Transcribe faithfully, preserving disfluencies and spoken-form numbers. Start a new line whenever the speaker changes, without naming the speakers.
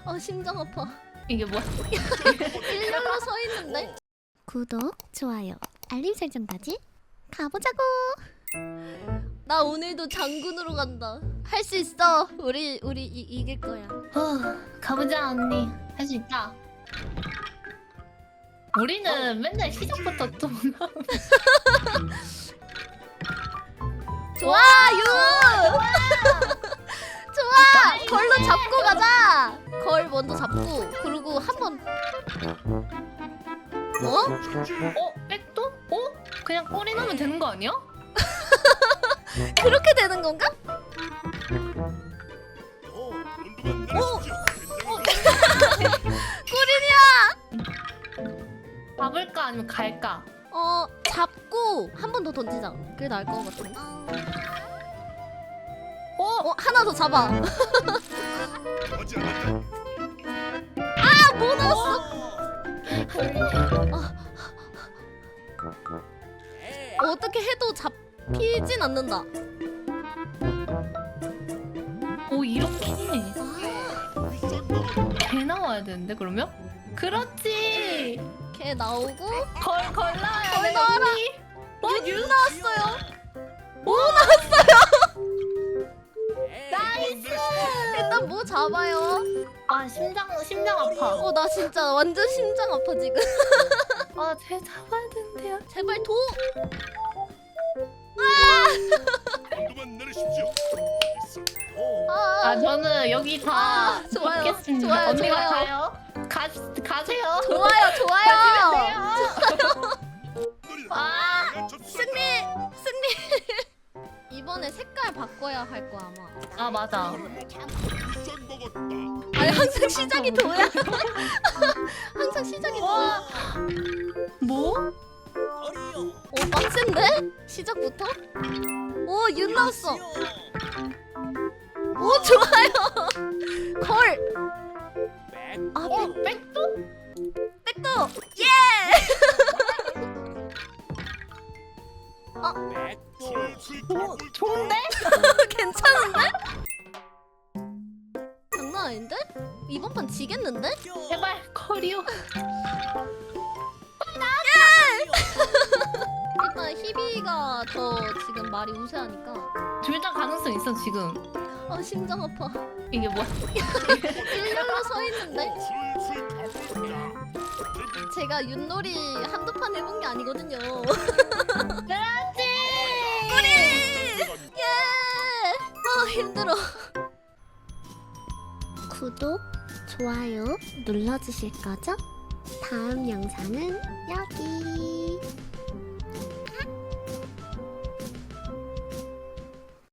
아 심장 아파.
이게 뭐야?
일렬로 서 있는데. 구독, 좋아요, 알림 설정까지 가보자고. 나 오늘도 장군으로 간다. 할 수 있어. 우리 우리 이, 이길 거야.
어, 가보자 언니. 할 수 있다. 우리는 맨날 시작부터 또
좋아 유. 좋아. 걸로 잡고 가자. 걸 먼저 잡고 그리고 한 번. 어?
어? 백도? 어? 그냥 꼬리 넣으면 되는 거 아니야?
그렇게 되는 건가?
오!
꿀이냐?
잡을까 아니면 갈까?
어 잡고 한 번 더 던지자. 그게 나을 것 같은데.
어?
어 하나 더 잡아.
하지 않았다.
아 뭐 넣었어? 어, 어떻게 해도 잡히진 않는다.
오 이렇게 개 나와야 되는데 그러면? 그렇지.
걔 나오고
걸 걸라야
걸
돼.
넣어라.
언니.
윤 나왔어요.
오 나왔어요. 나이스.
일단 뭐 잡아요.
아 심장 심장 아파.
어 나 진짜 완전 심장 아파 지금.
아쟤 잡아야 되는데요.
제발 도.
엄두만 내리십시오. 있어. 오.
아,
아 저는 여기 다
아, 좋아요.
있겠습니다.
좋아요,
언니가
좋아요.
가요. 가 가세요.
좋아요 좋아요.
놀이다.
아
내가 접수한다.
승리 승리. 이번에 색깔 바꿔야 할 거 아마.
아 맞아.
짠 먹었다.
아니 항상 시작이 도야. 항상 시작이 도야.
뭐?
오 빡센데? 시작부터? 오 윤 나왔어. 오 좋아요. 걸. 아
어
백,
백도?
백도. 예.
오 좋은데?
괜찮은데? 장난 아닌데? 이번 판 지겠는데?
제발 커리어.
일단 희비가 더 지금 말이 우세하니까.
둘 다 가능성 있어 지금.
아 심장 아파.
이게 뭐야?
일렬로 서 있는데?
술술 가볼까.
제가 윷놀이 한두 판 해본 게 아니거든요.
그렇지.
예! 아 힘들어. 구독, 좋아요 눌러주실 거죠? 다음 영상은 여기.